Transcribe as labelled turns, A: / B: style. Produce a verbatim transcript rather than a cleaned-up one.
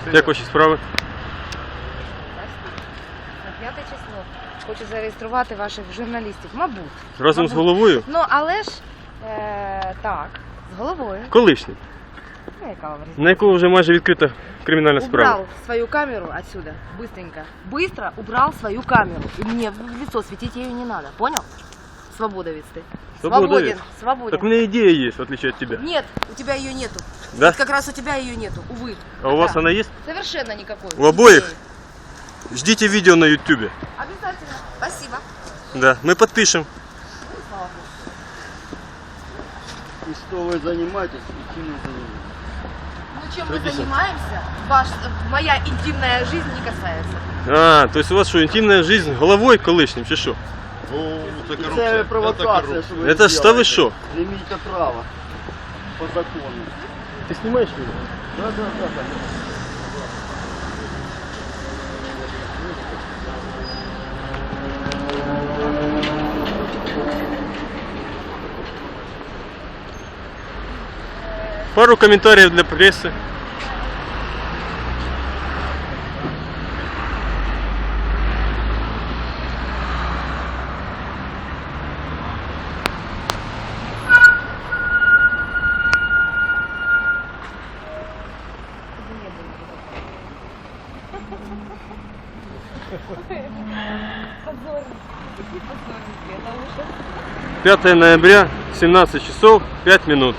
A: Як ваші справи?
B: На п'яте число. Хочу зареєструвати ваших журналістів. Мабуть.
A: Разом
B: Мабуть.
A: з головою?
B: Ну, але ж, е, так, з головою.
A: Колишній.
B: Ну, яка вам різниця?
A: На якого вже майже відкрита кримінальна справа.
B: Убрал свою камеру отсюда, быстренько. Быстро убрал свою камеру. И мне в лицо светить ее не надо, понял? Свободовец ты. Свободен,
A: Свободовец?
B: свободен.
A: Так у меня идея есть, в отличие от тебя.
B: Нет, у тебя ее нету.
A: Да?
B: Вот как раз у тебя ее нету, увы.
A: А у вас
B: Да.
A: она есть?
B: Совершенно никакой.
A: У обоих? Ждите видео на ютубе.
B: Обязательно. Спасибо.
A: Да, мы подпишем.
B: Ну, слава Богу.
C: И что вы занимаетесь, и чем вы занимаетесь?
B: Ну, чем мы
A: Записывай.
B: занимаемся, ваш, моя интимная жизнь не касается.
A: А, то есть у вас что, интимная жизнь головой колишним, чи що?
D: О, це
C: Це
D: корупція.
C: провокація, що ви
A: Это ж та ви що?
C: Не имеете права по закону.
A: Ты снимаешь меня?
C: Да, да, да, да.
A: Пару комментариев для прессы. пятое ноября, семнадцать часов пять минут.